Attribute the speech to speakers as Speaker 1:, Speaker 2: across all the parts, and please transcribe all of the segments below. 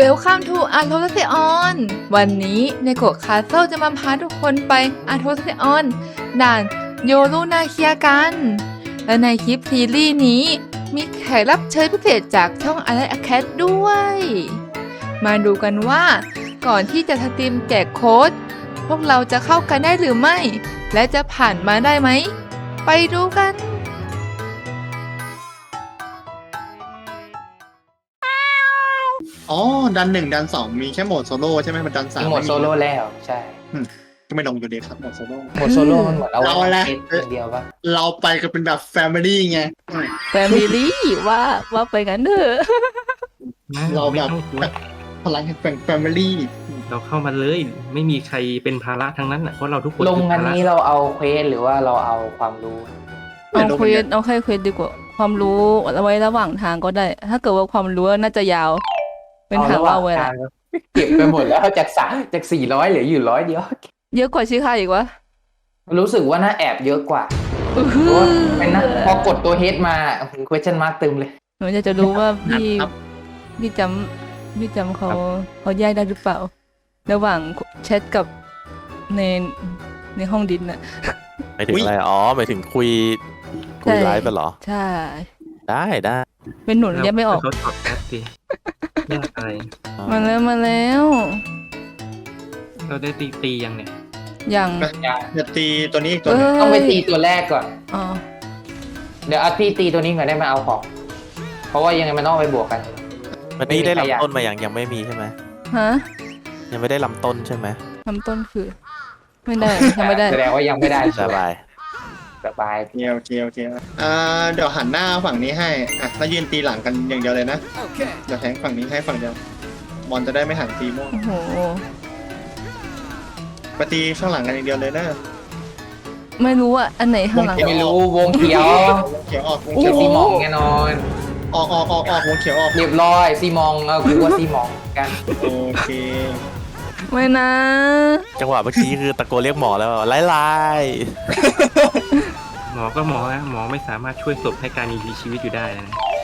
Speaker 1: Welcome to Arthosian วันนี้ในโกะคาสเซิลจะมาพาทุกคนไป Arthosian ด่านโยรุนาเคียกัน และในคลิปซีรีส์นี้มีแขกรับเชิญพิเศษจากช่อง Alert Acad ด้วย มาดูกันว่าก่อนที่จะสตรีมแจกโค้ดพวกเราจะเข้ากันได้หรือไม่ และจะผ่านมาได้ไหม ไปดูกัน
Speaker 2: อ๋อดันหนึ่งดันสองมีแค่โหมดโซโล่ใช่ไหมมันดันสาม
Speaker 3: มีโหมดโซโล่แล้วใช่
Speaker 2: ก็ไม่ลงอยู่ดีครับโหมดโซโล่
Speaker 3: โหมดโซโล่มันเหมือนเอา
Speaker 2: เอาละ
Speaker 3: เซตอย่างเดียวปะ
Speaker 2: เราไปกันเป็นแบบแฟมิลี่ไง
Speaker 1: Family ว่าไปกันเถอะ
Speaker 2: เราแบบพลังแห่งแฟมิลี่
Speaker 4: เราเข้ามาเลยไม่มีใครเป็นภาระทั้งนั้นอ่ะเพราะเราทุกคน
Speaker 3: ลง
Speaker 4: คือ
Speaker 3: อัน
Speaker 4: ภาระ
Speaker 3: นี้เราเอาเควสหรือว่าเราเอาความรู้
Speaker 1: เอาเควสเอาแค่เควสดีกว่าความรู้เอาไว้ระหว่างทางก็ได้ ถ้าเกิดว่าความรู้น่าจะยาว เป็นทางเล่าเวลา
Speaker 3: เก็บไปหมดแล้วจาก400เหลืออยู่100เดียว
Speaker 1: เยอะกว่าชื่อค่ายอีกวะ
Speaker 3: รู้สึกว่าน่าแอบเยอะกว่า
Speaker 1: อื้อ
Speaker 3: เพ
Speaker 1: หื
Speaker 3: ราะว่า
Speaker 1: อ
Speaker 3: เป็นนะพอกดตัวเฮดมา question mark ตึมเลย
Speaker 1: หนูจะรู้ว่าพี่จำเขาแยกได้หรือเปล่า ระหว่างแชทกับในห้องดินน่ะ
Speaker 5: หมายถึงอะไรอ๋อหมายถึงคุยไลฟ์ไปเหรอ
Speaker 1: ใช่
Speaker 5: ได้
Speaker 1: เป็นหนุนแยกไม่ออก
Speaker 4: เขาตอบแชทดิยากอะไร
Speaker 1: มาแล้ว
Speaker 4: เราได้ตียังเนี่ย
Speaker 1: อย่าง
Speaker 2: จะตีตัวนี้อีกตัวหนึง
Speaker 3: ต้องไปตีตัวแรกก่อน
Speaker 1: อ๋อ
Speaker 3: เดี๋ยวพี่ตีตัวนี้ก่อนได้มาเอาของ เพราะว่ายังไงมันต้องไปบวกกัน
Speaker 5: มันนี่ได้ลำต้นมายังไม่มีใช่ไหม
Speaker 1: ฮะ
Speaker 5: ยังไม่ได้ลำต้นใช่ไหม
Speaker 1: ลำต้นคือ ไม่ได้ยังไม่ได้
Speaker 3: แสดงว่ายังไม่ได้
Speaker 5: สบาย
Speaker 3: สบาย
Speaker 2: เกียวเดี๋ยวหันหน้าฝั่งนี้ให้อ่ะแล้วยืนตีหลังกันอย่างเดียวเลยนะเดี๋ยวแทงฝั่งนี้ให้ฝั่งเดียวมอนจะได้ไม่หันตีมั่ว
Speaker 1: โอ้โห
Speaker 2: ไปตีข้างหลังกันอย่างเดียวเลยนะ
Speaker 1: ไม่รู้อ่ะอันไหนข้างหลัง
Speaker 3: ไม่รู้วงเขียว
Speaker 2: วงเขียวออกวง
Speaker 3: เขี
Speaker 2: เขี
Speaker 3: ย
Speaker 2: ยว ว
Speaker 3: ซี
Speaker 2: อ
Speaker 3: ม
Speaker 2: อ
Speaker 3: อก งแน่นอน
Speaker 2: ออกวงเขียวออก
Speaker 3: เรียบร้อยซีมองกูว่าซีมองกัน
Speaker 2: โอเค
Speaker 1: ไม่นะ
Speaker 5: จังหวะเมื่อกี้คือตะโกนเรียกหมอแล้วไล่
Speaker 4: หมอก็หมอนะหมอไม่สามารถช่วยศพให้การมีชีวิตอยู่ได้นะ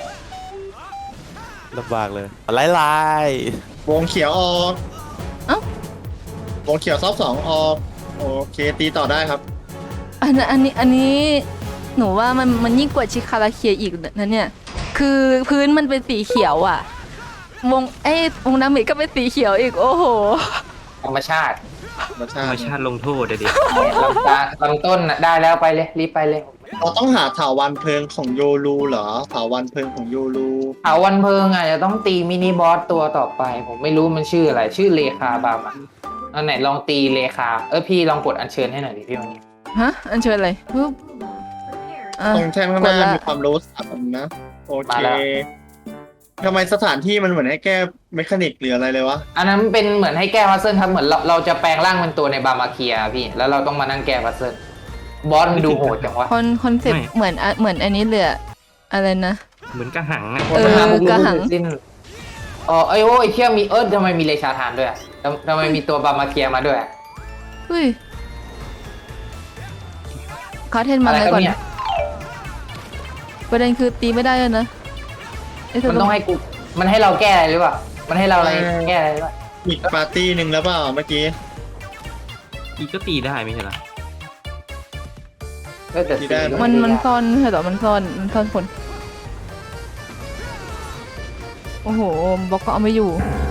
Speaker 5: ลำบากเลยไล่
Speaker 2: วงเขียวออก
Speaker 1: เอ้า
Speaker 2: วงเขียวซอบสองออกโอเคตีต่อได้ครับ
Speaker 1: อันนี้หนูว่ามันยิ่งกว่าชิคาราเคียอีกนะเนี่ย คือพื้นมันเป็นสีเขียวอ่ะ วงดาเมจก็เป็นสีเขียวอีกโอ้โห
Speaker 3: ธรรมชาติ
Speaker 4: ธรรมชาติลงโทษเด็ก
Speaker 3: ลำต้นน่ะได้แล้วไปเลยรีบไปเลย
Speaker 2: เราต้องหาถาวันเพลิงของโยรูเหรอถาวันเพลิงของโยรู
Speaker 3: เอาวันเพิงอ่ะจะต้องตีมินิบอสตัวต่อไป ผมไม่รู้มันชื่ออะไร ชื่อเลคาบามาอันไหนลองตีเลคาพี่ลองกดอัญเชิญให้หน่อยดิพี่วันนี้
Speaker 1: ฮะ อันเชิญอะไรปึ๊บอ่ะ
Speaker 2: ตรงแท่งข้างหน้าก
Speaker 1: ดละ
Speaker 2: มีความรู้สับนะโอเค
Speaker 3: มาแล้ว
Speaker 2: ทำไมสถานที่มันเหมือนให้แก้เมคานิกหรืออะไรเลยวะ
Speaker 3: อันนั้นเป็นเหมือนให้แก้พัซเซิลครับเหมือนเราจะแปลงร่างเป็นตัวในบามาเคียพี่แล้วเราต้องมานั่งแก้พัซเซิลบอสมันดูโหดจังวะ
Speaker 1: คอนเซ็ปต์เหมือนอันนี้เลยอะอะไรนะ
Speaker 4: เหมือนกระหังอ่ะ
Speaker 1: เออกระหัง
Speaker 3: สิ้นไอ้โว้ยเชี่ยมีทำไมมีเลชาทานด้วยอะทำไมมีตัวบามาเคียมาด้วยอะ
Speaker 1: เฮ้ยคาเทนมา
Speaker 3: อะไร
Speaker 1: เลย
Speaker 3: ครับ
Speaker 1: ก่อน
Speaker 3: เนี่ย
Speaker 1: ประเด็นคือตีไม่ได้เลยนะไอ้เธ
Speaker 3: มันต้องให้กูมันให้เราแก้อะไรหรือเปล่ามันให้เราอะไรแก้อะไรหรือเปล่า
Speaker 2: อีกปาร์ตี้หนึ่งแล้วเปล่าเมื่อกี้
Speaker 4: อีกก็ตีได้ไม่ใช่เหรอ
Speaker 3: แต่
Speaker 2: ที่ได้
Speaker 1: มันซ่อนไม่ใช่เหรอมันซ่อนคน โอ้โหบล็อกก็เอาไม่อยู่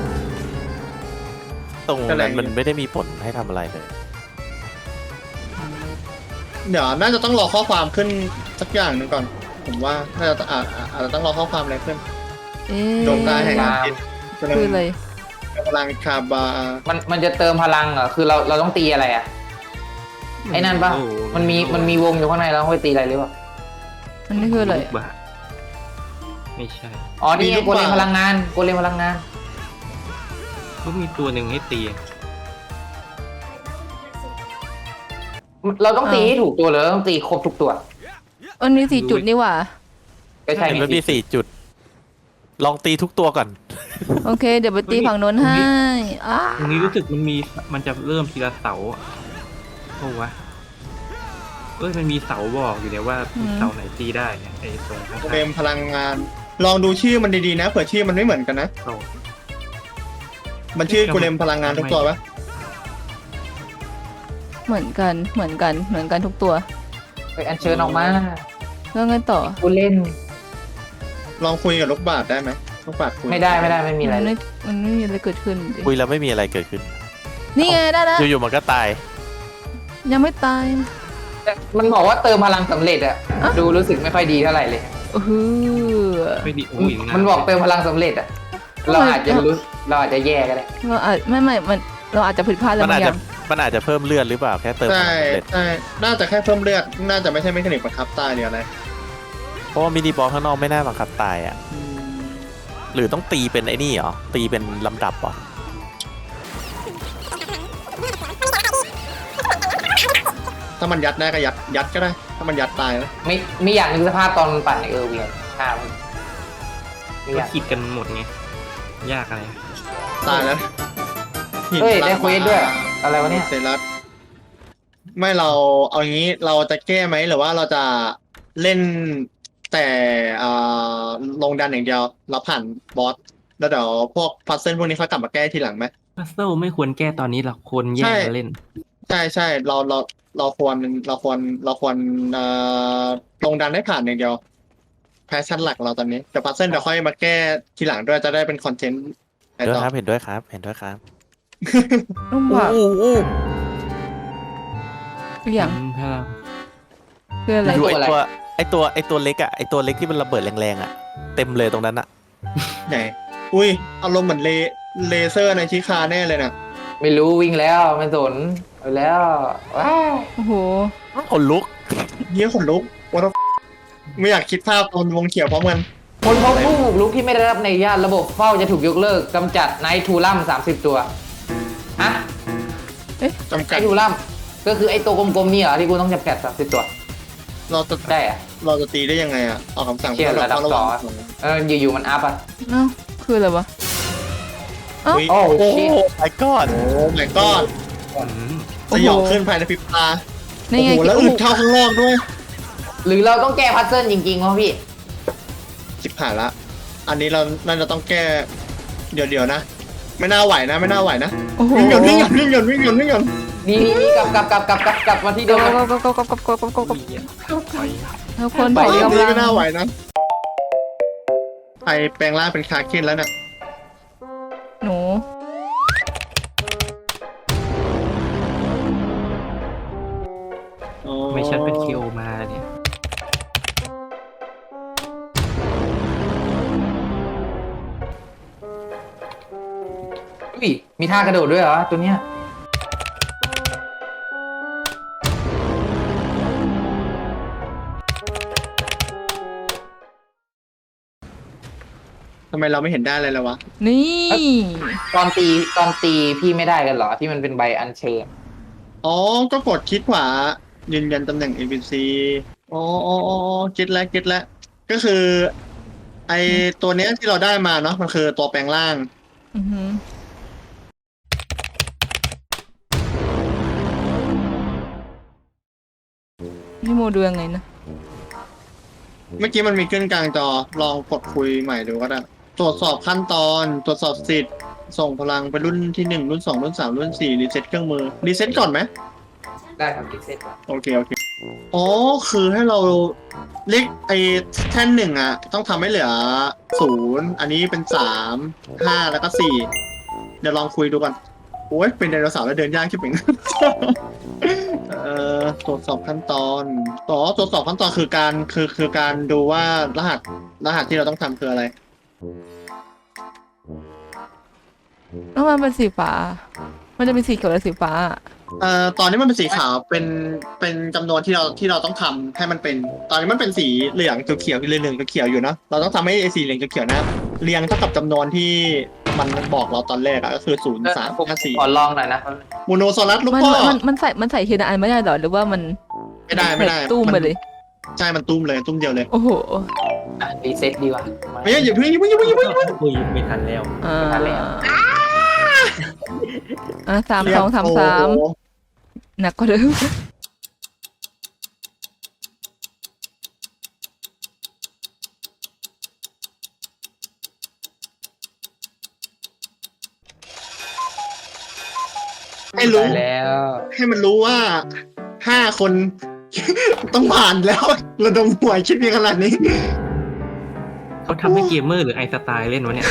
Speaker 5: ตรงนั้นมันไม่ได้มีผลให้ทำอะไรเลย
Speaker 2: เดี๋ยวน่าจะต้องรอข้อความขึ้นสักอย่างหนึ่งก่อน ผมว่าน่าจะอาจจะต้องรอข้อความอะไรขึ้น
Speaker 1: เอ๊ะ
Speaker 2: ดวงตาแห่งอาทิตย์
Speaker 1: คืออะไร
Speaker 2: พลังคาบา
Speaker 3: มันจะเติมพลังเหรอคือเราต้องตีอะไรอ่ะไอ้นั่นปะ
Speaker 4: โอ้
Speaker 3: มันมีวงอยู่ข้างในแล้วต้องไปตีอะไรหรือเปล่า
Speaker 1: อันนี้คืออะไร
Speaker 4: ลูกบาศก์ไม่ใช่
Speaker 3: อ๋อนี่ไงโกเลมพลังงานโกเลมพลังงาน
Speaker 4: ก็มีตัวหนึ่งให้ตี
Speaker 3: เราต้องตีให้ถูกตัวเลยเราต้องตีครบทุกตัว
Speaker 1: อันนี้4 จุดนี่หว่า
Speaker 3: ก็ใช่
Speaker 5: เห็นมันมี
Speaker 3: สิ
Speaker 5: 4 จุด ลองตีทุกตัวก่อน
Speaker 1: โอเค เดี๋ยวไปตีฝั่งโน้นให้อ้า
Speaker 4: ตรงนี้รู้สึกมันจะเริ่มทีละเสาอะโอ้วะมันมีเสาบอกอยู่เนี่ยว่าเสาไหนตีได้เนี่ยไอ้ตรงข้าง
Speaker 2: เฟรมพลังงาน ลองดูชื่อมันดีๆนะเผื่อชื่อมันไม่เหมือนกันนะ
Speaker 4: ๆเสา
Speaker 2: มันชื่อกูเลมพลังงานทุกตัวปะ
Speaker 1: เหมือนกันทุกตัว
Speaker 3: ไปอัญเชิญออกมา
Speaker 1: แล้วไงต่อ
Speaker 3: กูเล่น
Speaker 2: ลองคุยกับลูกบาศก์ได้ไหมลูกบาศก์คุย
Speaker 3: ไม่ได้ไม่มีอะไร
Speaker 1: มันไม่มีอะไรเกิดขึ้นดิ
Speaker 5: คุยแล้วไม่มีอะไรเกิดขึ้น
Speaker 1: นี่ไงได้แล้ว
Speaker 5: อยู่ๆมันก็ตาย
Speaker 1: ยังไม่ตาย
Speaker 3: มันบอกว่าเติมพลังสำเร็จอะดูรู้สึกไม่ค่อยดีเท่าไหร่เลย
Speaker 4: ไม่ดีโอ้ย
Speaker 3: มันบอกเติมพลังสำเร็จอะเราอาจจะแย่ก็ได้
Speaker 1: เราอาจไม่มันเราอาจจะผิดพลาดอะไร
Speaker 5: มัน
Speaker 1: บา
Speaker 5: อาจ
Speaker 1: งอ
Speaker 5: จะ
Speaker 1: ย่าง
Speaker 5: มันอาจจะเพิ่มเลือดหรือเปล่าแค่เติมพ
Speaker 2: ใช่
Speaker 5: ลังสำเร็จ
Speaker 2: ใช่น่าจะแค่เพิ่มเลือดน่าจะไม่ใช่เมคานิกบังคับตายหรืออะไร
Speaker 5: เพราะว่ามินิบอสข้างนอกไม่น่าบังคับตายอ่ะ หรือต้องตีเป็นไอ้นี่เหรอ ตีเป็นลำดับเหรอ
Speaker 2: ถ้ามันยัดได้ก็ยัดก็ได้ ถ้ามันยัดตายนะ
Speaker 3: ไม่อยากนึกสภาพตอนมันปั่นในเวียนข้ามไม่อ
Speaker 4: ก็
Speaker 3: ยาก
Speaker 4: คิดกันหมดไงยากอะไร
Speaker 2: ตายแล้ว
Speaker 3: เฮ้ยได้เควสด้วยอะไรวะเนี่ย
Speaker 2: เซรัสไม่เราเอางี้เราจะแก้ไหมหรือว่าเราจะเล่นแต่ลงดันอย่างเดียวเราผ่านบอสแล้วเดี๋ยวพวกพัซเซิลพวกนี้เขากลับมาแก้ทีหลังไหม
Speaker 4: พัซเซิลไม่ควรแก้ตอนนี้หรอกควรแยกกันเล่น
Speaker 2: ใช่เราควรลงดันให้ผ่านอย่างเดียวแพชชั่นหลักเราตอนนี้แต่พัซเซิลเดี๋ยวค่อยมาแก้ทีหลังด้วยจะได้เป็นคอนเทนต์ไอ
Speaker 5: ด้วย
Speaker 2: ต่อ
Speaker 5: ครับ เห็นด้วยครับ เห็นด้วยครับ
Speaker 1: ต้องบอก
Speaker 5: อู้
Speaker 1: อย่าง
Speaker 4: พลัง
Speaker 1: คืออะไร
Speaker 5: อยู่
Speaker 3: ตัวอะไร
Speaker 5: ไอตัวเล็กอ่ะ ไอตัวเล็กที่มันระเบิดแรงๆอ่ะ เต็มเลยตรงนั้นอ่ะ
Speaker 2: ไหนอุ้ยอารมณ์เหมือนเลเซอร์ในชิคาแน่เลยนะ
Speaker 3: ไม่รู้วิ่งแล้วไม่สนเอาแล้วว้าว
Speaker 1: โอ้โห
Speaker 5: คนลุก
Speaker 2: เยี่ยขนลุกว่าไม่อยากคิดภาพตอนวงเขียวพร้อมกัน
Speaker 3: คนพบผู้บุกรุกที่ไม่ได้รับในญาตระบบเฝ้าจะถูกยกเลิกกำจัดไนท์ทูลัม30 ตัวฮะ
Speaker 2: จำ
Speaker 3: ไน
Speaker 2: กัด
Speaker 3: ท์ทูลัมก็คือไอ้ตัวกลมๆนี่เหรอที่กูต้องจำกัด30 ตัว
Speaker 2: เราจะ
Speaker 3: ได้อะ
Speaker 2: เราจะตีได้ยังไงอ่ะออกคำสั่ง
Speaker 3: เชี่ยระดับ
Speaker 2: เฝ้า
Speaker 3: สอง
Speaker 2: วั
Speaker 3: อะอยู่ๆมันอัพอ่ะ
Speaker 1: เอ้าคืออะไรวะ
Speaker 2: อุ๊ย
Speaker 3: โอ้
Speaker 2: โอ้
Speaker 3: ชิ
Speaker 5: ไอ้ก้อน
Speaker 2: โห my god สยองขึ้นภายในพริบตา
Speaker 1: นี่
Speaker 2: โอ้
Speaker 1: ไง
Speaker 2: โหแล้วอึดเท่าข้างนอกด้วย
Speaker 3: หรือเราต้องแก้พัซเซิลจริงๆวะพี่
Speaker 2: สิบผ่านละ อันนี้เราน่าจะต้องแก้เดี๋ยวนะ ไม่น่าไหวนะ ไม่น่าไหวนะ
Speaker 1: โอ้โห
Speaker 2: วิ่งหย่อนวิ่งหย่อนวิ่งหย่อนวิ่งหย่อนวิ่งหย่อน
Speaker 3: นี่กลับมาที่เดิม
Speaker 1: ก็
Speaker 3: นะ
Speaker 1: ทุกคน
Speaker 2: ไป
Speaker 1: ถอย
Speaker 2: เรื่อง
Speaker 1: กำ
Speaker 2: นี้
Speaker 1: ลัง
Speaker 2: ไม่น่าไหวนะไปแปลงร่างเป็นคาเคนแล้วน่ะ
Speaker 1: หนู
Speaker 4: ไม่ชัดเป็นคิวมาเนี่ย
Speaker 3: อุ้ยมีท่ากระโดดด้วยเหรอตัวเนี้ย
Speaker 2: ทำไมเราไม่เห็นได้เลยเลยวะ
Speaker 1: นี่
Speaker 3: ตอนตีพี่ไม่ได้กันเหรอที่มันเป็นใบอัญเชิญ
Speaker 2: อ๋อ ก็กดคลิกขวา ยืนยันตำแหน่ง ABC อ๋อเก็ตแล้วเก็ตแล้ว ก็คือ ไอตัวเนี้ยที่เราได้มาเนาะ มันคือตัวแปลงร่าง
Speaker 1: อือหือนี่โมดูยังไงนะ
Speaker 2: เมื่อกี้มันมีขึ้นกลางจอ ลองกดคุยใหม่ดูก็ได้ ตรวจสอบขั้นตอน ตรวจสอบสิทธิ์ ส่งพลังไปรุ่นที่ 1 รุ่น 2 รุ่น 3 รุ่น 4 รีเซ็ตเครื่องมือ รีเซ็ตก่อนไหม
Speaker 3: ได้ครับดิเซต
Speaker 2: โอเค อ๋อ คือให้เราเรียกไอ้แท่นหนึ่งอ่ะ ต้องทำให้เหลือ0อันนี้เป็น3 5แล้วก็4เดี๋ยวลองคุยดูก่อน โอ้ยเป็นไดโนเสาร์แล้วเดินยากชิบหาย ตรวจสอบขั้นตอนตรวจสอบขั้นตอนคือการดูว่ารหัสที่เราต้องทำคืออะไร
Speaker 1: แล้วมันเป็นสีฟ้า มันจะเป็นสีเขียวและสีฟ้า
Speaker 2: ตอนนี้มันเป็นสีขาวเป็นจำนวนที่เราต้องทำให้มันเป็น ตอนนี้มันเป็นสีเหลืองเขียวเหลืองเขียวอยู่เนาะเราต้องทำให้ไอ้สีเหลืองเขียวนะเรียงเท่ากับจำนวนที่มันบอกเราตอนแรกอะก็คือ0 3 5 4
Speaker 3: ขอลองหน่อยนะ
Speaker 2: โมโนซอรัสลูก
Speaker 1: มัน
Speaker 2: พ่อ
Speaker 1: มันใส่ทีละอันไม่ได้หรอหรือว่ามัน
Speaker 2: ไม่ได้
Speaker 1: ตุ้มไปเลย
Speaker 2: ใช่มันตุ้มเลยตุ้มเดียวเลย
Speaker 1: โอ้โห
Speaker 3: รีเซ็ตดีกว่า
Speaker 2: ไม่อย่าเพิ่ง
Speaker 4: คุยไม่ทันแล้ว
Speaker 1: อ่า
Speaker 3: ไม่ทันแล้ว
Speaker 1: 3 2 3 3หนักกว่าเดิม
Speaker 2: ให้รู้
Speaker 3: ได้แล้ว
Speaker 2: ให้มันรู้ว่า5 คน ต้องผ่านแล้วระดมหัวคิดเพียงขนาดนี้
Speaker 4: เขาทำให้เกมเมอร์หรือไอสไตล์เล่นวะเนี่ย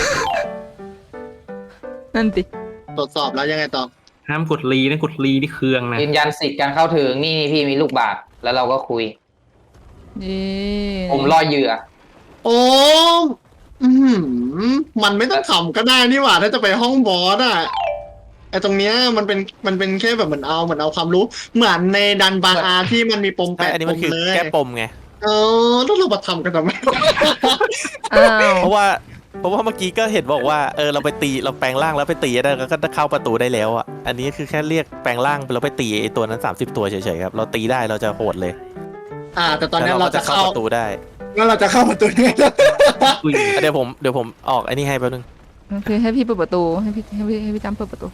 Speaker 1: นั่นสิ
Speaker 2: ตรวจสอบแล้วยังไงต่อ
Speaker 4: ห้ามกดรีนะกดรีที่เครื่องนะ
Speaker 3: ยืนยันสิทธิ์การเข้าถึงนี่พี่มีลูกบาศก์แล้วเราก็คุย
Speaker 1: เย้
Speaker 3: ผมล่อเหยื่อ
Speaker 2: โอ้อื้อหือมันไม่ต้องทำก็ได้นี่หว่าถ้าจะไปห้องบอสอะไอตรงเนี้ยมันเป็นแค่แบบเหมือนเอาความรู้ เหมือนในดันบางอาที่มันมีปม
Speaker 5: ใช่
Speaker 2: 8
Speaker 5: อันนี้
Speaker 2: ป
Speaker 5: มัน
Speaker 2: ม
Speaker 5: คือ
Speaker 2: เลย
Speaker 5: แก้ปมไง
Speaker 2: แล้วเรามาทำกันทำไม
Speaker 1: อ้าว
Speaker 5: เพราะว่าเมื่อกี้ก็เห็นบอกว่าเราไปตีเราแปลงร่างแล้วไปตีได้ก็เข้าประตูได้แล้วอ่ะอันนี้คือแค่เรียกแปลงร่างแล้วไปตีไอ้ตัวนั้น30 ตัวเฉยๆครับเราตีได้เราจะโหดเลย
Speaker 2: แต่ตอนนี้
Speaker 5: แล้ว
Speaker 2: เราจะเข้า
Speaker 5: ประตูได้
Speaker 2: งั้นเราจะเข้าประตูนี้
Speaker 4: อุ้ย
Speaker 5: เดี๋ยวผมออกไอ้นี่ให้แป๊บนึง
Speaker 1: โอเคให้พี่เปิดประตูให้พี่จำเปิดประตู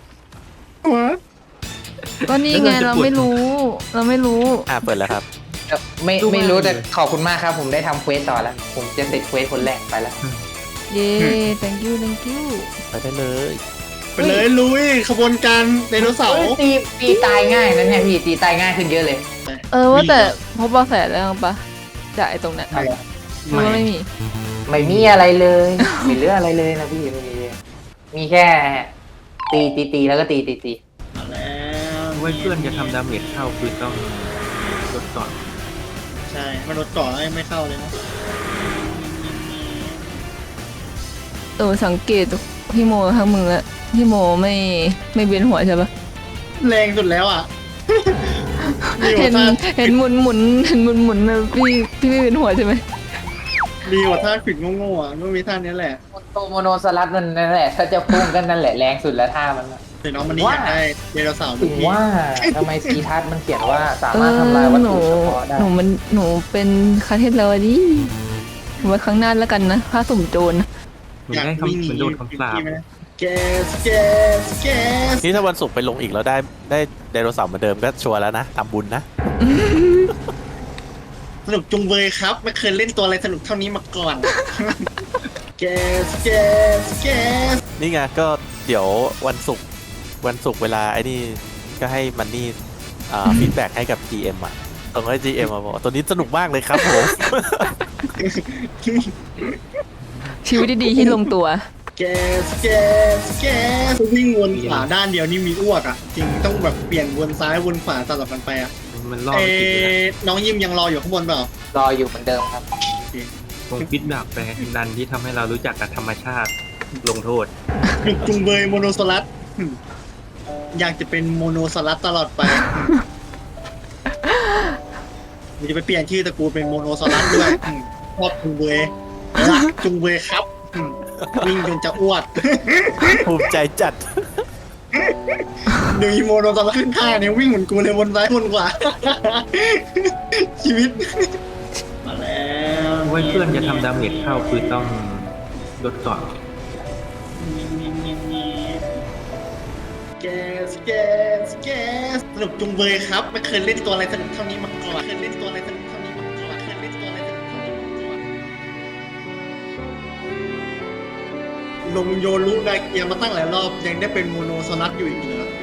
Speaker 1: ก็นี่ไงเราไม่รู้
Speaker 5: เปิดแล้วครับ
Speaker 3: ไม่รู้แต่ขอบคุณมากครับผมได้ทำเควสต่อแล้ว ผมจะติดเควสคนแรกไปแล้ว
Speaker 1: เย้ thank you
Speaker 5: ไปได้เลย
Speaker 2: ไปเลยลุยขบวนการไดโนเสาร์
Speaker 3: ตีตายง่ายนะเนี่ยพี่ตีตายง่ายขึ้นเยอะเลย
Speaker 1: ว่าแต่พบเบาะแสแล้วปะจากไอ้ตรงเนี้ยหรือว่าไม่มี
Speaker 3: ไม่มีอะไรเลยไม่เหลืออะไรเลยนะพี่ไม่มีเลยมีแค่ตีแล้วก็ตี
Speaker 2: มาแล้ว
Speaker 4: ไว้เพื่อนจะทำดาเมจเข้าคือต้องลดก่อน
Speaker 2: ใช่มันรถก่อไม่เข้าเลยนะ
Speaker 1: สังเกตพี่โมทั้งมึงแล้วพี่โมไม่เวียนหัวใช่ปะ
Speaker 2: แรงสุดแล้วอ่ะ
Speaker 1: เห็นหมุนนะพี่ไม่เวียนหัวใช่ไหม
Speaker 2: ดีกว่าท่าขวิดโง่ๆอ่ะไม่มีท่านี้แหละ
Speaker 3: โมโนสลัดนั่นแหละถ้าจะพุ่งกันนั่นแหละแรงสุดแล้วท่ามัน
Speaker 2: แต่น้องมันนี่อยากได้ไดโนเสาร์
Speaker 3: ถึงว่าทำไมซีทัศน์มันเขียนว่าสามารถทำลายวัตถุเฉพาะได้
Speaker 1: หนูเป็นคาเทศแล้วดิไว้ครั้งหน้าแล้วกันนะผ้าสุ่มโจร
Speaker 4: เหมือนได้คำเหมือนโดนคำสาป
Speaker 2: แกส
Speaker 5: นี่ถ้าวันศุกร์ไปลงอีกแล้วได้ไดโนเสาร์เหมือนเดิมก็ชัวร์แล้วนะทำบุญนะ
Speaker 2: สนุกจุงเบยครับไม่เคยเล่นตัวอะไรสนุกเท่านี้มาก่อนแกส
Speaker 5: นี่ไงก็เดี๋ยววันศุกร์เวลาไอ้นี่ก็ให้มันนี่ฟีดแบ็กให้กับ GM อ่ะต้องให้ GM มาบอกตัวนี้สนุกมากเลยครับผม
Speaker 1: ชีวิตดีๆที่ลงตัว
Speaker 2: แกสวิ่งวนขวาด้านเดียวนี่มีอ้วกอ่ะจริงต้องแบบเปลี่ยนวนซ้ายวนขวาสลับกันไปอ่ะ
Speaker 4: มันรอดไม่ติดเลยนะ
Speaker 2: น้องยิมยังรออยู่ข้างบนเปล่าร
Speaker 3: ออยู่เหมือนเดิมครับ
Speaker 4: ตรงฟิตแบบแปลดันที่ทำให้เรารู้จักกับธรรมชาติลงโทษ
Speaker 2: สนุกจุงเบยโมโนโซลัสอยากจะเป็นโมโนโซลัสตลอดไปมันจะไปเปลี่ยนชื่อตระกูลเป็นโมโนโซลัสด้วยชอบจุงเบยรักจุงเบยครับวิ่งจนจะอ้วก
Speaker 5: ภูมิใจจัด
Speaker 2: ดูอีโมโนโซลัสขึ้นข้างเนี่ยวิ่งเหมือนกูเลยวนซ้ายวนขวา ชีวิตมาแล้ว
Speaker 4: ไว้เพื่อนจะทำดาเมจเข้าคือต้องลดก่อน
Speaker 2: แกสสนุกจุงเบยครับไม่เคยเล่นตัวอะไรสนุกเท่านี้มาก่อนลงโยรุนาเกียมาตั้งหลายรอบยังได้เป็นโมโนโซลัสอยู่อีกเหรอ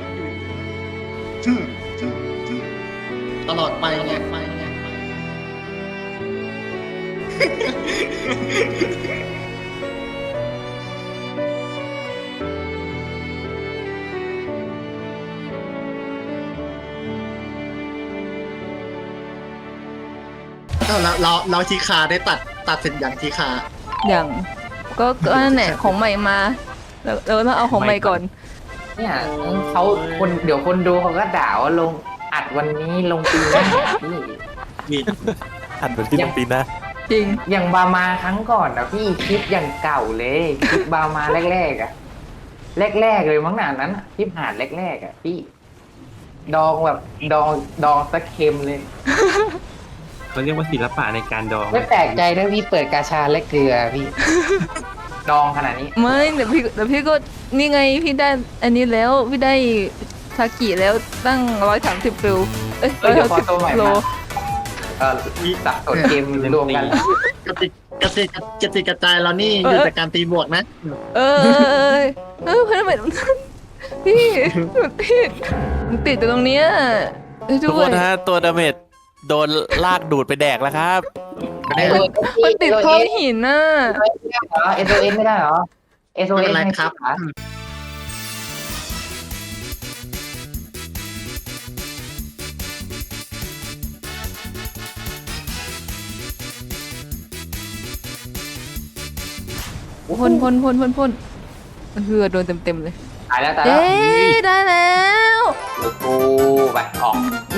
Speaker 2: ตลอดไปไงเราทีคาได้ตัดเสร็จอย่างทีคา
Speaker 1: อย่างก็นั่นแหละของใหม่มาแล้วต้องเอาของใหม่ก่อน
Speaker 3: เนี่ยเขาเดี๋ยวคนดูเขาก็ด่าว่าลงอัดวันนี้ลงปีหน้าพี่
Speaker 2: นี่
Speaker 5: อันเป็นที่ลงปีหนะ
Speaker 1: จริง
Speaker 3: อย่างบามาครั้งก่อนนะพี่คลิปอย่างเก่าเลยคลิปบามาแรกๆอ่ะแรกๆเลยมั้งหนานั้นอะคลิปหาดแรกๆอ่ะพี่ดองแบบดองสักเค็มเลย
Speaker 4: เขาเรียกว่าศิลปะในการดอง
Speaker 3: ไม่แปลกใจถ้าพี่เปิดกาชาและเกลือพี่ ดองขนาดนี้
Speaker 1: ไม่แต่พี่ก็นี่ไงพี่ได้อันนี้แล้วพี่ได้ซากิแล้วตั้ง130ฟิล
Speaker 3: เดี๋ยวขอตัวใหม่
Speaker 1: โล
Speaker 3: มาสับสนเกมรวมกัน
Speaker 2: กระติกกระจายเรานี่อยู่จากการตีบวกนะ
Speaker 1: เพื่อนทำไมพี่หนูติดอยู่ตรงเนี้ยช่วย
Speaker 5: ทุก
Speaker 1: ด้
Speaker 5: ค
Speaker 1: วย
Speaker 5: นฮะตัวดาเมจโดนลากดูดไปแดกแล้วครับ
Speaker 1: มันติดท้องหินน่ะ
Speaker 3: SOS ไม่ได้เหรอ
Speaker 2: ไม่
Speaker 3: SOS
Speaker 2: เป็นไรครับ
Speaker 1: พ่นเฮือโดนเต็มเลย
Speaker 3: ตายแล้ว
Speaker 1: เย้ได้แล้ว
Speaker 3: โอ้ไปออก
Speaker 1: เย้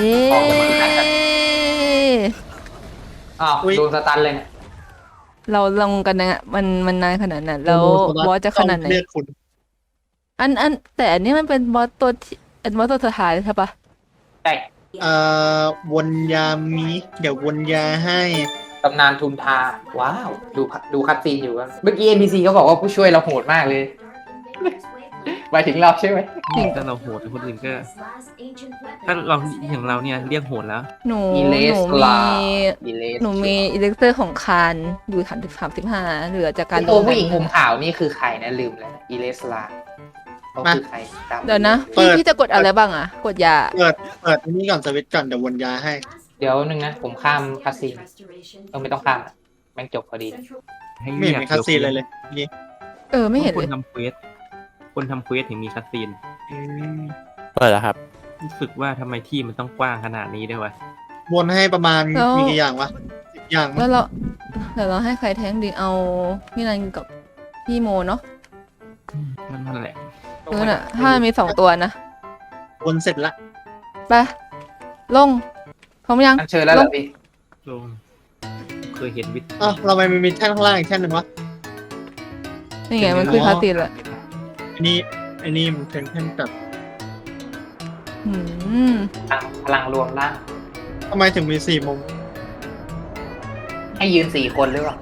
Speaker 3: อ้าวโดนสตันเลยเนี่ย
Speaker 1: เราลงกันนะมันนานขนาดนั้นแล้วบอสจะขนาดไหน
Speaker 2: เลือดคุณ
Speaker 1: แต่อันนี้มันเป็นบอสตัวที่บอสตัวสุดท้ายใช่ปะ
Speaker 3: ใช่
Speaker 2: วนยามีเดี๋ยววนยาให้
Speaker 3: ตำนานทุนทา ว้าว ดูคัตซีนอยู่กันเมื่อกี้ NPC เขาบอกว่าผู้ช่วยเราโหดมากเลยหมายถึงเราใช่ไหม
Speaker 4: ถ้าเราโหดคนอื่นก็ ถ้าเราอย่างเราเนี่ยเรียกโหดแล้ว
Speaker 1: หนู
Speaker 3: อีเลสลาอีเลส
Speaker 1: หนูมีอิเล็กเตอร์ของคานอยู่35เหลือจากการ
Speaker 3: ตัวผู้หญิงผมขาวนี่คือใครนะลืมแล้วอีเลสลาเขาคือใครจำ
Speaker 1: เดี๋ยวนะ
Speaker 2: เปิด
Speaker 1: พี่จะกดอะไรบ้างอะกดยา
Speaker 2: เปิดอันนี้ก่อนสวิตช์ก่อนเดี๋ยววนยาให้
Speaker 3: เดี๋ยวนึงนะ ผมข้ามคัสซีนไม่ต้องข้ามแม่งจบพอดี
Speaker 4: ให้
Speaker 2: ไม่
Speaker 4: เรี
Speaker 2: เห็น
Speaker 4: ยก
Speaker 2: มีคัสซีนเลยนี่
Speaker 1: ไม่เห็น
Speaker 4: ค
Speaker 1: เล
Speaker 4: น
Speaker 1: ย
Speaker 4: ทำเควสคนทำเควสถึงมีคัสซีน
Speaker 2: อืม
Speaker 5: เปิดแล้วครับ
Speaker 4: รู้สึกว่าทำไมที่มันต้องกว้างขนาดนี้ด้วยวะ
Speaker 2: วนให้ประมาณมีกี่อย่างวะ10 อย่างมั้
Speaker 1: แล้
Speaker 2: ง
Speaker 1: วเดี๋ยวเราให้ใครแท้งดีเอาพี่นันกับพี่โมเนาะ
Speaker 4: นั่นแหละ
Speaker 1: น่ะถ้ามี2ตัวนะ
Speaker 2: วนเสร็จละ
Speaker 1: ไปลงพร้อมยัง
Speaker 3: อันเชิญแล้วเหรอพี่
Speaker 4: ลงเคยเห็นวิธี
Speaker 2: อ้าวเราไม่มีแท่นข้างล่างอีกแท่นหนึ่งวะ
Speaker 1: นี่ไงมันคือคาตินแหละ
Speaker 2: อันนี้มันเป็นแท่นแบบ
Speaker 1: อืม
Speaker 3: พลังรวมร่าง
Speaker 2: ทำไมถึงมี4 มุม
Speaker 3: ให้ยืน4 คนหรือเปล่า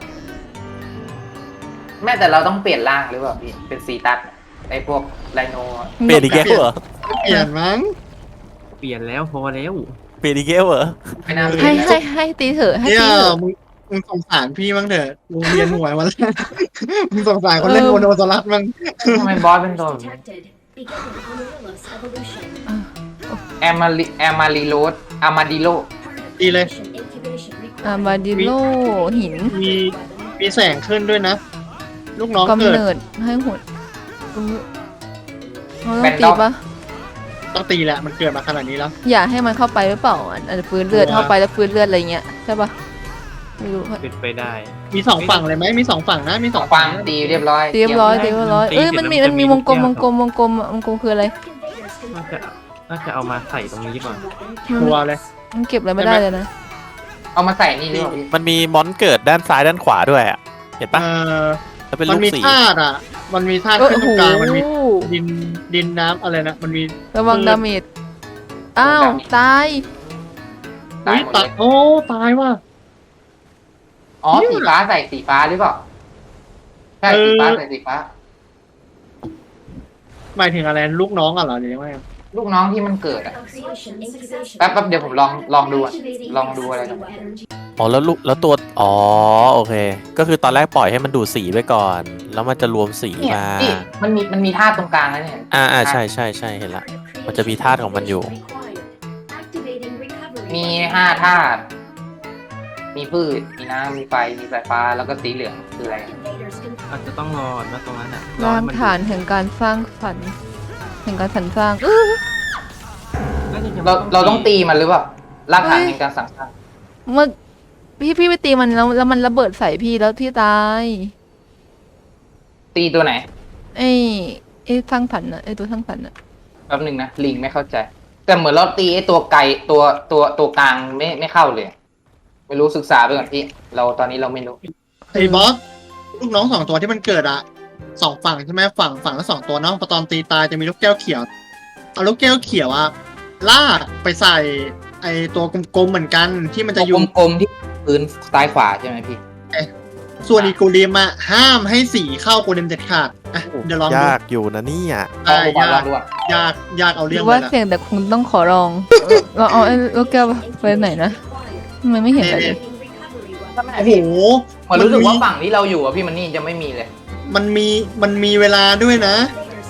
Speaker 3: แม่แต่เราต้องเปลี่ยนร่างหรือเปล่าพี่เป็นสีตัดไอ้พวกไลโน
Speaker 5: เปลี่ยนอีกแล้วเหรอ
Speaker 2: เปลี่ยนมั้ง
Speaker 4: เปลี่ยนแล้วพอแล้ว
Speaker 5: เปลี่ยนอีกแล้วเหรอ
Speaker 3: ไม่น่า
Speaker 1: ให้ตีเถอะให้
Speaker 2: เนี่ย
Speaker 1: ตีเถอะ
Speaker 2: มึงสงสารพี่มั้งเถอะมึงเรียนหวยมาแล้ว มึงสงสารคนเล่นโมโนสลัดมั้ง
Speaker 3: ทำไมบอสเป็นตัวแบบนี้แอมาริโรสอามาดิโล
Speaker 2: ดีเลย
Speaker 1: อาบาดิโลหิน
Speaker 2: มีแสงขึ้นด้วยนะ ลูกน้อง
Speaker 1: กำ
Speaker 2: เกิด
Speaker 1: เนิดให้หดเราต้องตีปะ
Speaker 2: ต้องตีแหละมันเกิดมาขนาดนี้แล้ว
Speaker 1: อย่าให้มันเข้าไปหรือเปล่าอาจจะฟื้นเลือดเข้าไปแล้วฟื้นเลือดอะไรเงี้ยใช่ปะไม่รู้
Speaker 4: เป็นไปได้
Speaker 2: มี2 ฝั่งเลยไหมมี2 ฝั่งนะมี2
Speaker 3: ฟั
Speaker 2: ฝั่
Speaker 3: ง
Speaker 2: ง
Speaker 3: ดีเรียบร้อย
Speaker 1: เรียบร้อยมันมีวงกลมคืออะไร
Speaker 4: น่าจะเอามาใส่ตรงนี้ก่อน
Speaker 2: ตัวเลย
Speaker 1: มันเก็บอะไรไม่ได้เลยนะ
Speaker 3: เอามาใส่นี่หรือเปล่าพี่
Speaker 5: มันมีมอนเกิดด้านซ้ายด้านขวาด้วยอ่ะ เห็นปะแล้วเป็น
Speaker 2: มั
Speaker 5: ลู
Speaker 2: น
Speaker 5: ก
Speaker 2: มี
Speaker 5: สี
Speaker 2: ธาตุอ่ะ มันมีธาตุขึ้นตรงกลางมันมีดินน้ำอะไรนะมันมี
Speaker 1: ระวังดาเมจอ้าวตาย
Speaker 3: ตายหมดเลย
Speaker 2: โอ้ตายว่ะ
Speaker 3: อ๋อสีฟ้าใส่สีฟ้าหรือเปล่าใช่สีฟ้าใส่สีฟ้า
Speaker 2: หมายถึงอะไรลูกน้องอ่ะเหรอหรือยังไง
Speaker 3: ลูกน้องที่มันเกิดอะแป๊บเดี๋ยวผมลองดูอะลองดูอะไรกัน
Speaker 5: อ๋อแล้วลูกแล้วตัวอ๋อโอเค ก็คือตอนแรกปล่อยให้มันดูดสีไปก่อน แล้วมันจะรวมสี
Speaker 3: เนี่ย
Speaker 5: มา
Speaker 3: พี่มันมีธาตุตรงกลางแล้วเนี่ย
Speaker 5: ใช่เห็นละ มันจะมีธาตุของมันอยู่
Speaker 3: มี5 ธาตุมีพืชมีน้ำมีไฟมีสายฟ้าแล้วก็สีเหลืองคืออะไร
Speaker 4: อาจจะต้องรอนะตรงนั้นอ่ะ
Speaker 1: รากฐานแห่งการสร้างฝันแห่งการสรรสร้าง
Speaker 3: เราต้องตีมันหรือเปล่ารากฐานในการสั่งสร้าง
Speaker 1: เมื่อพี่ไปตีมันแล้วมันระเบิดใส่พี่แล้วพี่ตาย
Speaker 3: ตีตัวไหน
Speaker 1: ไอ้สร้างฝันน่ะไอ้ตัวสร้างฝันน่ะ
Speaker 3: แป๊บหนึงนะลิงไม่เข้าใจ แต่เหมือนเราตีไอ้ตัวไก่ตัวกลางไม่เข้าเลย ไม่รู้ศึกษาไปก่อนพี่เราตอนนี้เราไม่รู้
Speaker 2: ไอ้บอสลูกน้อง2 ตัวที่มันเกิดอ่ะ2 ฝั่งใช่ไหมฝั่งละ2 ตัวเนาะพอตอนตีตายจะมีลูกแก้วเขียวเอาลูกแก้วเขียวอ่ะลากไปใส่ไอ้ตัวกลมๆเหมือนกันที่มันจะอยู่
Speaker 3: กลมๆที่พื้นซ้ายขวาใช่ไหมพี่
Speaker 2: ส่วนอีกูริมอ่ะห้ามให้สีเข้ากูริมเด็ดขาดอ่ะเดี๋ยวลองดู
Speaker 5: ยากอยู่นะเนี่ย
Speaker 3: ลองดูก่อน
Speaker 2: ยากเอา
Speaker 1: ห
Speaker 2: เรื่
Speaker 1: รือ อง
Speaker 2: เล
Speaker 1: ว่าย
Speaker 2: นะ
Speaker 1: เสี่ยงแต่คงต้องขอลองเราเอาไอ้ลูกแก้วไปไหนนะทำไมไม่เห็นอะไรเลย
Speaker 2: โอ้โห
Speaker 3: เหมือนรู้สึกว่าฝั่งที่เราอยู่อะพี่มันนี่จะไม่มีเลย
Speaker 2: มันมีเวลาด้วยนะ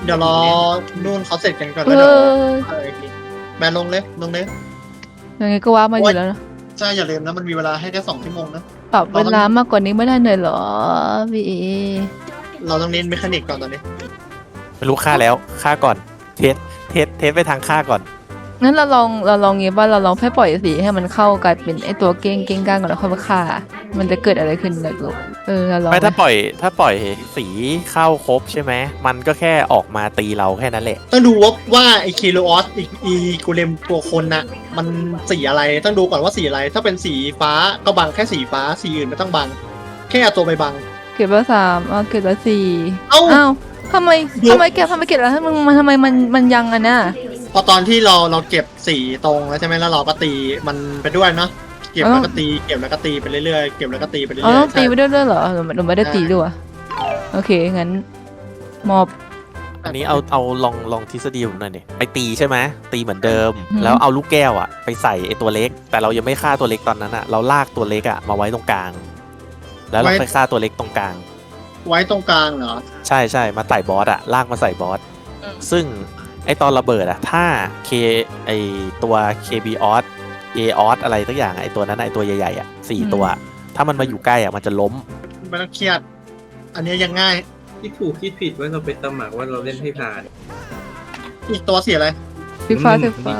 Speaker 2: เดี๋ยวรอนู่นเขาเสร็จกันก่อน
Speaker 1: เอ
Speaker 2: แล้วเดี๋ยว
Speaker 1: อ
Speaker 2: แบนลงเลยลงเลย
Speaker 1: ยังไงก็ว่ามาอยู่แล้วนะ
Speaker 2: ใช่อย่าลืมนะมันมีเวลาให้แค่2 ชั่วโมงนะ
Speaker 1: ปรับเวลามากกว่านี้ไม่ได้หน่อยเหรอพี่เอ
Speaker 2: เราต้องเน้นเมคานิกก่อนตอนนี้
Speaker 5: ไม่รู้ฆ่าแล้วฆ่าก่อนเทสไปทางฆ่าก่อน
Speaker 1: งั้นเราลองงี้ว่าเราลองแค่ปล่อยสีให้มันเข้ากลายเป็นไอตัวเก้งก้างก่อนแล้วค่อยมาฆ่ามันจะเกิดอะไรขึ้นเลยลูกเราลอง
Speaker 5: ไม่ถ้าปล่อยสีเข้าครบใช่ไหมมันก็แค่ออกมาตีเราแค่นั้นแหละ
Speaker 2: ต้องดูว่าไอเคโลออสอีกูเลมตัวคนน่ะมันสีอะไรต้องดูก่อนว่าสีอะไร ถ้าเป็นสีฟ้าก็บังแค่สีฟ้าสีอื่นไม่ต้องบัง แค่เอาตัวไปบัง
Speaker 1: เก็บละ3เก็บละ4
Speaker 2: เอ้า
Speaker 1: อ้าวทำไมเก็บแล้วทำไมมันยังอ่ะนะ
Speaker 2: พอตอนที่เราเก็บสีตรงแล้วใช่ไหมแล้วเราก็ตีมันไปด้วยเนาะเก็บแล้วก็ตีเก็บแล้วก็ตีไปเรื่อยๆเก็บแล้วก็ตีไปเรื่อย
Speaker 1: อ๋อ
Speaker 2: ๆ
Speaker 1: ต้องตีไป
Speaker 2: ใช่
Speaker 1: ด้วยเหรอหนูไม่ได้ตีด้วยโอเคงั้นมอบ
Speaker 5: อันนี้เอาลองทฤษฎีผมหน่อยดิไปตีใช่ไหมตีเหมือนเดิม
Speaker 1: อืม
Speaker 5: แล้วเอาลูกแก้วอะไปใส่ไอตัวเล็ก แต่เรายังไม่ฆ่าตัวเล็กตอนนั้นอะเราลากตัวเล็กอะมาไว้ตรงกลาง แล้วเราไปฆ่าตัวเล็กตรงกลาง
Speaker 2: ไว้ตรงกลางเหรอ
Speaker 5: ใช่มาใส่บอสอะลากมาใส่บอสซึ่งไอตอนระเบิดอะถ้าไอตัว KBออสเอออสอะไรสักอย่างไอตัวนั้นอะไอตัวใหญ่ๆอะ4 ตัว ถ้ามันมาอยู่ใกล้อะมันจะล้ม
Speaker 2: ไม่ต้องเครียด อันนี้ยังง่าย
Speaker 4: ที่ถูกคิดผิดว่าเราไปสมัครว่าเราเล่นให้ผ่าน
Speaker 2: อีกตัวสีอะไร
Speaker 1: สีฟ้า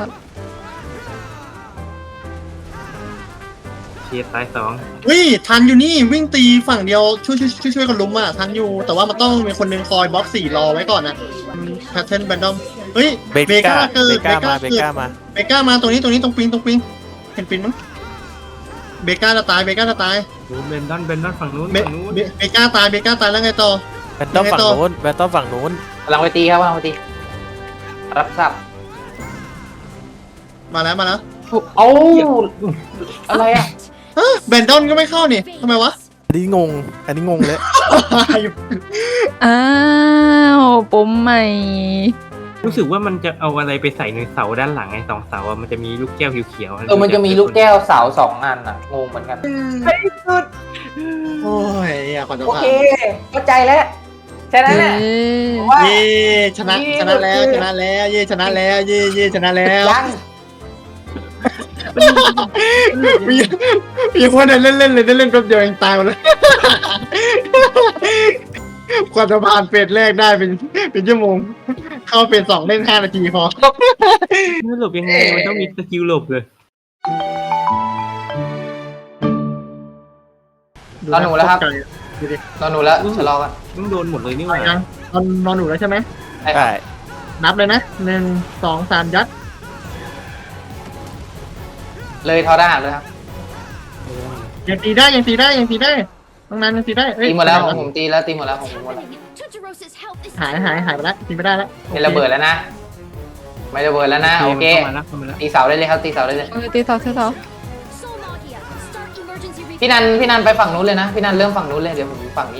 Speaker 4: เคตาย2
Speaker 2: วิ่ทันอยู่นี่วิ่งตีฝั่งเดียวช่วยกันลุมอ่ะทันอยู่ แต่ว่ามันต้องมีคนหนึงคอยบล็อกสีรอไว้ก่อนนะแพทเทิร์นแบนดอมเฮ้ย
Speaker 5: เบก้า
Speaker 2: เกิด
Speaker 5: เบก้ามา
Speaker 2: เบก้ามาตรงนี้ตรงปิงเห็นปิงมั้งเบก้าจะตาย
Speaker 4: โอ้เบนดอนฝั่งนู้น
Speaker 2: เบก้าตายแล้วไงต่อ
Speaker 5: แบนต้องฝั่งนู้นแบนต้องฝั่งนู้น
Speaker 3: กำลังไปตีครับกำลังไปตี รับทราบ
Speaker 2: มาแล้ว
Speaker 3: เอ้าอะไรอ่ะ
Speaker 2: แบนดอนก็ไม่เข้านี่ทำไมวะ
Speaker 5: อันนี้งงเลย
Speaker 1: อ้าวปมใหม่
Speaker 4: รู้สึกว่ามันจะเอาอะไรไปใส่ในเสาด้านหลังไอ้2 เสาอะมันจะมีลูกแก้วเขียวๆ
Speaker 3: มันจะมีลูกแก้วเสา2 อันอ่ะงงเหมือนกัน
Speaker 2: โอ้ยอยากขอจะ
Speaker 3: โอ
Speaker 2: ผ่า
Speaker 3: เคน เข้าใจแล้วแค่นั้นแหละผมว่า
Speaker 2: เย่ชนะแล้วเย่ชนะแล้วเย่ชนะแล้ว
Speaker 3: ยัง
Speaker 2: มีคนเล่นเลยเล่นแป๊บเดียวเองตายหมดเลยกว่าจะผ่านเฟสแรกได้เป็นชั่วโมง เข้าเฟส 2เล่น5 นาทีพอ
Speaker 4: ไม่หลบยังไงมันต้องมีสกิลหลบเลย
Speaker 3: นอนหนูแล้วครับ
Speaker 2: ดูดิ
Speaker 3: นอนหนูแล้วชะลอกัน
Speaker 4: ต้องโดนหมดเลยนี่หว่า
Speaker 2: ยังนอนหนูแล้วใช่ไหม
Speaker 3: ใช่ค
Speaker 5: ใช่
Speaker 3: รับ
Speaker 2: นับเลยนะ1 2 3ยัด
Speaker 3: เลยทอได้เลยครับ
Speaker 2: ยังตีได้ตรงนั้นยังตีได้เอ้ย
Speaker 3: ตีหมดแล้วของผมตีแล้วตีหมดแล้วของผมหมดแล้ว
Speaker 2: หายไปแล้วตีไม่ได้แล้ว
Speaker 3: เป็นระเบิดแล้วนะ ไม่ระเบิดแล้วนะโอเค
Speaker 4: เข้ามาแล้ว
Speaker 3: ตีเสาได้เลยครับตีเสาได้เลย
Speaker 1: ตีเสา
Speaker 3: พี่นันไปฝั่งนู้นเลยนะพี่นันเริ่มฝั่งนู้นเลยเดี๋ยวผมอยู่ฝั่งนี้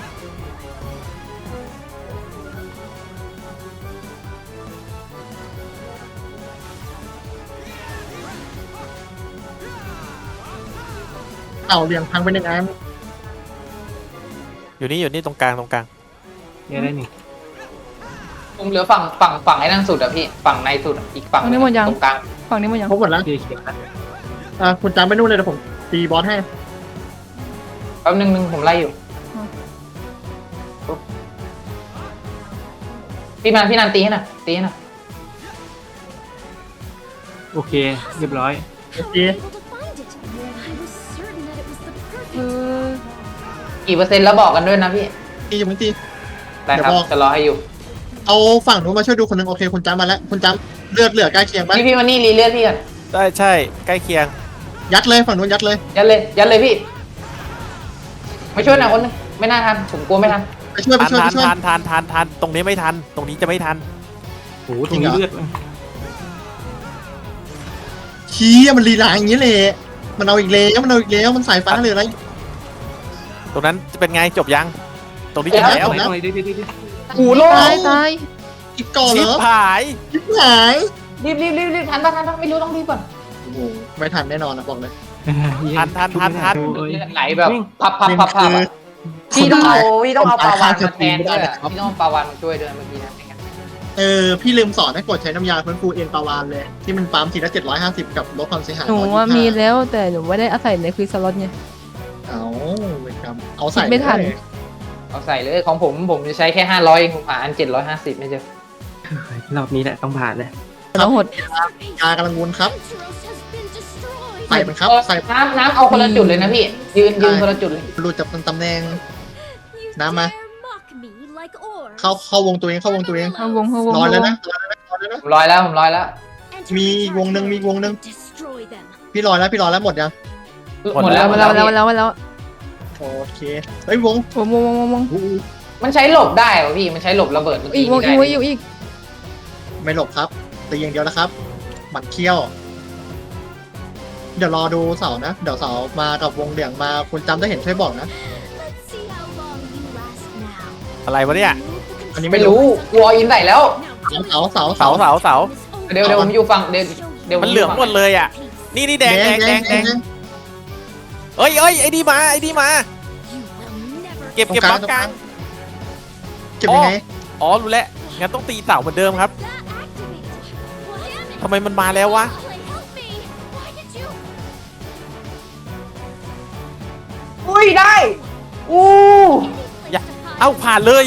Speaker 2: เต่าเรียงพังไป1 อัน
Speaker 5: อยู่นี่ตรงกลาง
Speaker 4: เนี่ยได้นี่
Speaker 3: ผมเหลือฝั่งไอ้นั่นสุดอะพี่ฝั่งในสุดอะอีกฝั่ง
Speaker 1: ฝั่งนี้หมดยัง
Speaker 3: ตรงกลาง
Speaker 1: ฝั่งนี้มันยัง
Speaker 2: ครบหมดแล้ว
Speaker 4: เขียวนะ
Speaker 2: คุณจำไปนู่นเลยเดี๋ยวผมตีบอสให้
Speaker 3: แป๊บนึงผมไล่อยู่พี่นันตีให้หน่อยตีให้หน่อย
Speaker 4: โอเค เรียบร้อย
Speaker 2: โอเค
Speaker 3: กี่เปอร์เซ็นต์แล้วบอกกันด้วยนะพี่
Speaker 2: ตีอย่าเพิ่งตี
Speaker 3: ได้ครับ
Speaker 2: เดี๋ยวบอก
Speaker 3: จะรอให้อยู่
Speaker 2: เอาฝั่งนู้นมาช่วยดูคนหนึงโอเคคุณจำมาแล้วคุณจำเลือดเหลือใกล้เคียงปะ
Speaker 3: พี่วันนี้รีเลือดพี่ก่อน
Speaker 5: ใช่ใกล้เคียง
Speaker 2: ยัดเลยฝั่งนู้นยัดเลย
Speaker 3: ยัดเลยพี่มาช่วยหน่อยคนนึงไม่น่าทันผมกลัวไม่ทัน
Speaker 2: ไปช่วย
Speaker 5: ทันตรงนี้ไม่ทันตรงนี้จะไม่ทัน
Speaker 4: โหตรงนี้เลือด
Speaker 2: ชี้มันลีลาอย่างนี้เลยมันเอาอีกแล้วมันสายฟ้าเลยอะไร
Speaker 5: ตรงนั้นจะเป็นไงจบยัง ตรงนี้จบแล้ว
Speaker 2: จบแล้ว
Speaker 4: อะไรดิ
Speaker 3: หูโล่
Speaker 1: ตาย
Speaker 2: อีกก่อนเห
Speaker 5: ชิ
Speaker 2: ร
Speaker 5: บ
Speaker 2: อ
Speaker 5: หาย
Speaker 2: ชิบหาย
Speaker 3: รีบทันปะไม่รู้ต้องรีบก่อน
Speaker 2: โอ้โหไม่ทันแน่นอนนะบอกเลย
Speaker 5: ทัน
Speaker 3: เลือดไหลแบบพับ
Speaker 2: นี่
Speaker 3: อะ
Speaker 2: คือ
Speaker 3: พี่ต้องเอาปลาวาน
Speaker 2: คนตาย
Speaker 3: มาแทนด้วย
Speaker 2: ครับ
Speaker 3: พี่ต้องเอาปลาวานมาช่วยด้วยเมื่อกี้นะ
Speaker 2: พี่ลืมสอนให้กดใช้น้ำยาฟื้นฟูเอ็นปาวานเลยที่มันปั๊มทีละ750กับลดความเสียหาย
Speaker 1: หนูว่า
Speaker 2: 125
Speaker 1: มีแล้วแต่หนูไม่ได้อาศัยในควิสล็อตไง
Speaker 2: เอาเวรกรรมเอาใส่
Speaker 1: ไม่ทัน
Speaker 2: เลย
Speaker 3: เอาใส่เลยของผมจะใช้แค่500เองผมหาอัน750ไม่เจอ
Speaker 4: รอบนี้แหละต้องผ่านเลย
Speaker 1: แล้วหด
Speaker 2: ยากำลังวนครับใส่มันครับใส่
Speaker 3: น้ำเอาคนละจุดเลยนะพี่ยืนคนละจุดเลย
Speaker 2: หลุดจากตำแหน่งน้ำมาเข้าวงตัวเองเข้าวงตัวเอง
Speaker 1: เข้าวงเข้าวง
Speaker 2: รอแล้วนะรอแล้วนะ
Speaker 3: ผมร้อยแล้ว
Speaker 2: มีวงหนึ่งพี่รอแล้วหมดยัง
Speaker 3: หมดแล้ว
Speaker 1: มาแล้ว
Speaker 2: โอเคเฮ้ยวง
Speaker 1: วง
Speaker 3: มันใช้หลบได้เหรอพี่มันใช้หลบระเบิด
Speaker 1: อีกวงอีก
Speaker 2: ไม่หลบครับตีอย่างเดียวนะครับหมัดเคี้ยว เดี๋ยวรอดูเสานะเดี๋ยวเสามากับวงเหลืองมาคุณจำได้เห็นช่วยบอกนะ
Speaker 5: อะไรวะเนี่ย
Speaker 2: อันนี้
Speaker 3: ไม่รู้วออินใส่แล้ว
Speaker 2: เสา
Speaker 5: เสาเสาเสา
Speaker 3: เดี๋ยวผมอยู่ฝั่งเดี๋ยว
Speaker 5: มันเหลืองหมดเลยอ่ะ นี่แดงเอ้ยไอ้ดีมาเก็บบล็อกกลาง
Speaker 2: เก็บยังไง
Speaker 5: อ๋อรู้แล้วงั้นต้องตีเสาเหมือนเดิมครับทำไมมันมาแล้ววะ
Speaker 3: อุ้ยได้อู้
Speaker 5: เอ้าผ่านเลย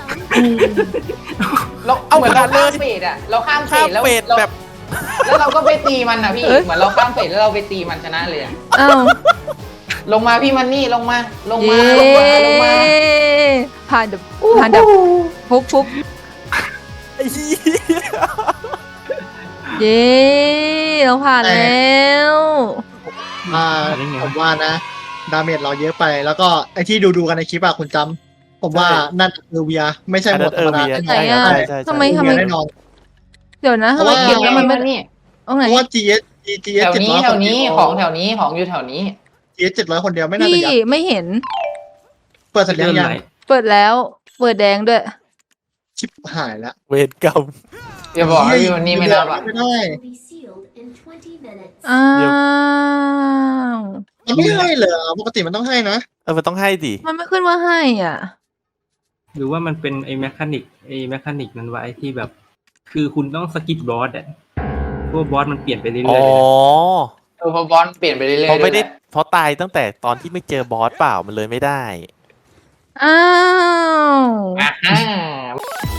Speaker 3: เรา
Speaker 5: เอา
Speaker 3: เหมือนเรา
Speaker 5: ผ่านเลย
Speaker 3: ข้ามเฟสอะเราข้ามเฟ
Speaker 5: ข้าม
Speaker 3: สแล้ว
Speaker 5: เฟสแบบ
Speaker 3: แล้วเราก็ไปตีมันอะพี่เหมือนเราข้ามเฟสแล้วเราไปตีมันชนะเลยอะ
Speaker 1: อ้าว
Speaker 3: ลงมาพี่มันนี่ลงมา
Speaker 1: เย้ผ่านดับฟุบ
Speaker 5: ไอ้เหี้ย
Speaker 1: เย้เราผ่านแล้ว
Speaker 2: ผมว่านะ ดาเมจเราเยอะไป แล้วก็ไอที่ดูกันในคลิปอะคุณจำผมว่านั่นคือเวียไม่ใช่หมดธรรมดาแน่น
Speaker 1: ไหน
Speaker 2: อน
Speaker 1: อ่ะ
Speaker 5: ใช่
Speaker 1: ทำไม
Speaker 2: เวียแน่นอน
Speaker 1: เดี๋ยวนะทำไม
Speaker 2: เพราะว่า
Speaker 1: เก็บแล้วมันไม่
Speaker 3: นี่
Speaker 1: เอาไหน
Speaker 2: เพราะว่า GS
Speaker 3: แถวนี้
Speaker 2: 700
Speaker 3: แถวนี้ของแถวนี้ของอยู่แถวนี้
Speaker 2: GS 700คนเดียวไม่น่า
Speaker 1: พี่
Speaker 2: จะยัด
Speaker 1: ไม่เห็น
Speaker 2: เปิดสัญญาณยัง
Speaker 1: เปิดแล้ว เปิดแดงด้วย
Speaker 2: ชิบหายแล้ว
Speaker 5: เวรกรรม
Speaker 3: อย่าบอกว่าพี่มันนี่ไม่นับอะ
Speaker 2: ไม่ได้
Speaker 1: อ้าว
Speaker 2: มันไม่ให้เลยปกติมันต้องให้นะ
Speaker 5: มันต้องให้ดิ
Speaker 1: มันไม่ขึ้นว่าให้อ่ะ
Speaker 4: หรือว่ามันเป็นไอ้แมคานิกนั้นไว้ที่แบบ คือคุณต้องสกิปบอสอ่ะพวกบอสมันเปลี่ยนไปเรื่อยๆ
Speaker 5: อ๋
Speaker 4: เล
Speaker 5: อย
Speaker 3: เพราะบอลเปลี่ยนไปเรื่อยๆ
Speaker 5: เพราะไม่ได้
Speaker 3: ด้วยแหละ
Speaker 5: เพราะตายตั้งแต่ตอนที่ไม่เจอบอสเปล่ามันเลยไม่ได้
Speaker 1: อ้าว
Speaker 3: อ่า